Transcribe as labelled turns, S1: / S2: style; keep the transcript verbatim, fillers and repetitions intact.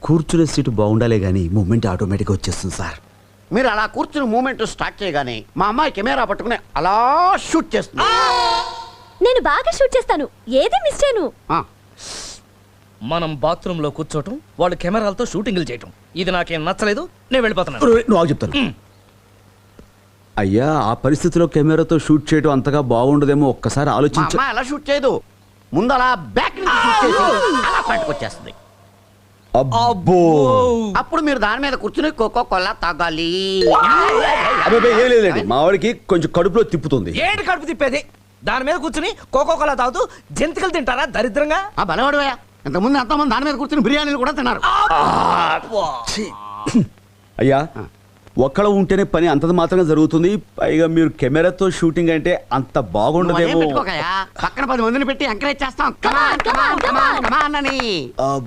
S1: కూర్చునే సీటు బాగుండాలే గానీ మూమెంట్ ఆటోమేటిక్గా వచ్చేస్తుంది సార్.
S2: మీరు అలా కూర్చుని మూమెంట్ స్టార్ట్ చేయగానే మా అమ్మాయి కెమెరా పట్టుకుని అలా షూట్ చేస్తుంది.
S3: నేను బాగా షూట్ చేస్తాను, ఏది మిస్ చేయను.
S2: ఆ,
S4: మనం బాత్రూమ్ లో కూర్చోటం, వాళ్ళు కెమెరాలతో షూటింగ్లు చేయటం, ఇది నాకేం నచ్చలేదు. నేను వెళ్ళిపోతున్నాను.
S1: నువ్వు ఆగు చెప్తాను. అయ్యా ఆ పరిస్థితిలో కెమెరాతో షూట్ చేయడం అంతగా బాగుండదేమో, ఒక్కసారి
S2: మా
S1: ఆలోచించ.
S2: అమ్మాయి అలా షూట్ చేయదు, ముందు అలా బ్యాక్ నుంచి షూట్ చేసి అలా పట్టుకొచ్చేస్తుంది.
S1: అబ్బో
S2: అప్పుడు మీరు దాని మీద కూర్చుని కోకో కోలా తాగాలి.
S1: అబ్బాయి ఏం లేదండి, మా వాడికి కొంచెం కడుపులో తిప్పుతుంది.
S4: ఏంటి కడుపు తిప్పేది? దాని మీద కూర్చుని కోకో కోలా తాగుతూ జంతికలు తింటారా దరిద్రంగా?
S2: ఆ బలవాడువయ్యా, ఇంతకుముందు ఎంతమంది దాని మీద కూర్చుని బిర్యానీలు కూడా తిన్నారు.
S1: అయ్యా ఒక్కడ ఉంటేనే పని అంతది మాత్రమే జరుగుతుంది, పైగా మీరు కెమెరాతో షూటింగ్ అంటే అంత
S2: నువ్వు అదేం
S1: బాగుండదేమో.
S2: పెట్టుకోకయ్యా, పక్కన పది మందిని పెట్టి ఎంకరేజ్ చేస్తాం. కమాన్ కమాన్ కమాన్ కమాన్ అని.